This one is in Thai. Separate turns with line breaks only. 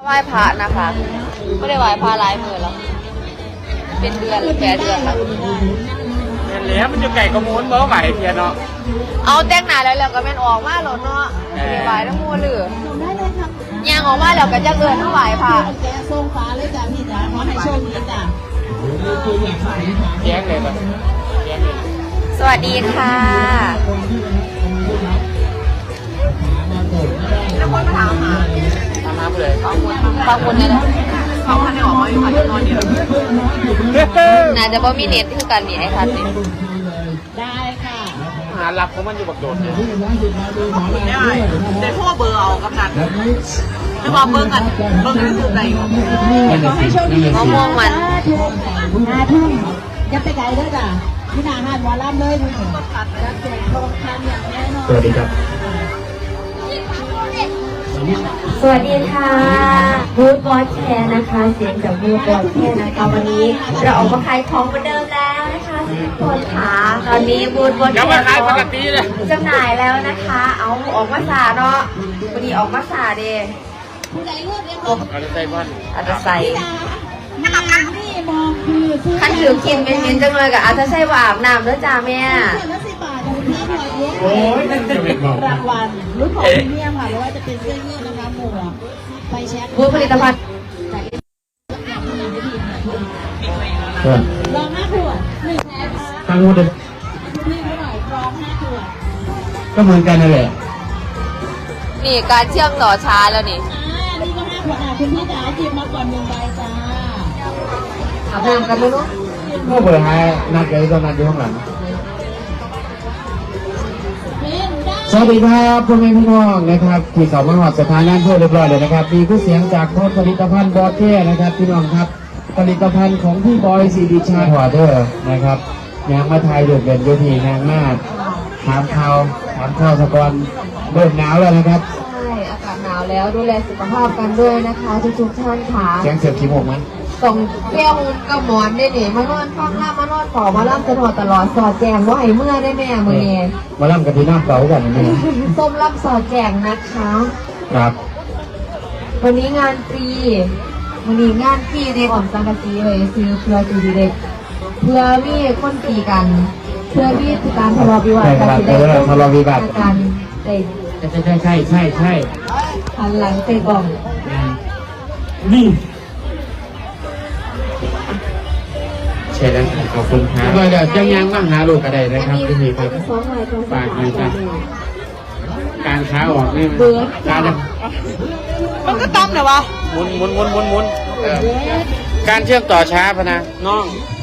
ไหว้พระนะคะไม่ได้ไหว้พระหลายมื้อแล้วเป็นเดือนหรือแปดเดือนแล้ว
เห็นแล้วมันจะไก่กระมูนบ่ไหวเพียเนาะ
เอาแต่งหน้าแล้วก็แม่นออกมาแล้วเนาะไหว้ทั้งหมดเลยย่างออกมาแล้วก็จะเอิ้นทั้งไหว้พระ
แกทรงฟ้าเลยจ้ะพี่จ๋าขอให้โชคดีจ้ะ
แย้งเลยป่ะแย้งเลย
สวัสดีค่ะแล้วคนมาถามหา
เลย
บางคนเนี่ยนะ
เขาพันได้ออกมาอยู่ค่ะนอนเดียว
น่าจะบ่มีเน็ตคือกันนี่ไอ้คันนี่
ได้ค่ะ
หาหลับของมันอยู่บักโดดเลย
ได้แต่พ่อเบอร์เอากำนันจะมาเบิ้งกันเบิ้งที่สุดไหนขอให้โชคดี
มะม่วงมัน
5 ทุ่มจะไปไกลด้วยจ้ะที่หน้าห้างวอลลัมเลยคุณรับแจกทองคำอย่างแน่นอน
สวัสดีครับ
สวัสดีค่ะบูธบอสแคร์นะคะเสียงจากบูธบอสแคร์นะคะวันนี้เราออกมาขายของเหมือนเดิมแล้วนะคะทุกคนค่ะตอนนี้บูธบอสแคร์จำหน่ายแล้วนะคะเอาออกมาสาเนาะวันนี้ออกมาสาเด้
อาจจะใส่บ้าน
อาจจะใส่
นี่มองคือ
ขั้นถือกินเป็นจังเลยกับอาจจะใส่ว่าอาบน้ำแล้วจ้าแม่
โอ้ยนั่นจะเป็นบอก
รางวัลรุ่นของพรีเมียมค่ะไม่ว่าจะเป็นเสื้อยืดนะคะหมวกไฟแช็ค
บูธผลิตภัณฑ์
ลอง5 ขวด1แพ็ค
ทั้งหมดเลย
นี่เท่าไหร่ลอง5 ขวด
ก็เหมือนกันนั่นแหละ
นี่การเชื่อมต่อช้าแล้วนี่
นี่ก็5 ขวดคุณพี่จ๋าหยิบมาก่อน1 ใบจ้า
อาบน้ำกันไหมลูก
ก็เปิดให้นัดกันตอนนั้นอยู่ข้างหลังสวัสดีครับพ่อแม่พี่น้องนะครับที่เขามาหอดสถานนั้นเพื่อเรียบร้อยเลยนะครับมีผู้เสียงจากโค้ดผลิตภัณฑ์บอสเท่นะครับพี่น้องครับผลิตภัณฑ์ของพี่บอยซีดีชาหัวเดอร์นะครับยางมาไทยโดดเด่นโยธีนางมากถามข่าวสะกอนเริ่มหนาวแล้วนะครับ
ใช่อากาศหนาวแล้วดูแลสุขภาพกันด้วยนะคะทุกท่านค่ะ
แจ้งเสียบขี้มูกมั้ย
ส่งเที่ยวกับหมอนได้หนิมานอนฟังล่ามานอนขอมาล่ำตลอดสอดแจงว่าให้เมื่อได้แม่มือนี้
มาล่ำกันที่น้ำเก่ากันนี่
ส้มล่ำสอดแจงนะคะ
ครับ
วันนี้งานฟรีวันนี้งานฟรีเด็กอ่อนสังกะสีเลยซื้อเพื่อจูดีเด็กเพื่อมีคนตีกันเพื่อมีการทะเลาะวิวาทกัน
ทะเลาะวิวาท
กัน
ใช่
หันหลังเตะกล่อง
นี่ใช่แล้วขอบคุณครับเดี๋ยวจังยังมาหาลูกกระไดนะครับที่นี่ครับฝากนะครับการค้าออกนี่การ
มันก็ต้มเหรอวะ
หมุนการเชื่อมต่อช้าพนะน้อง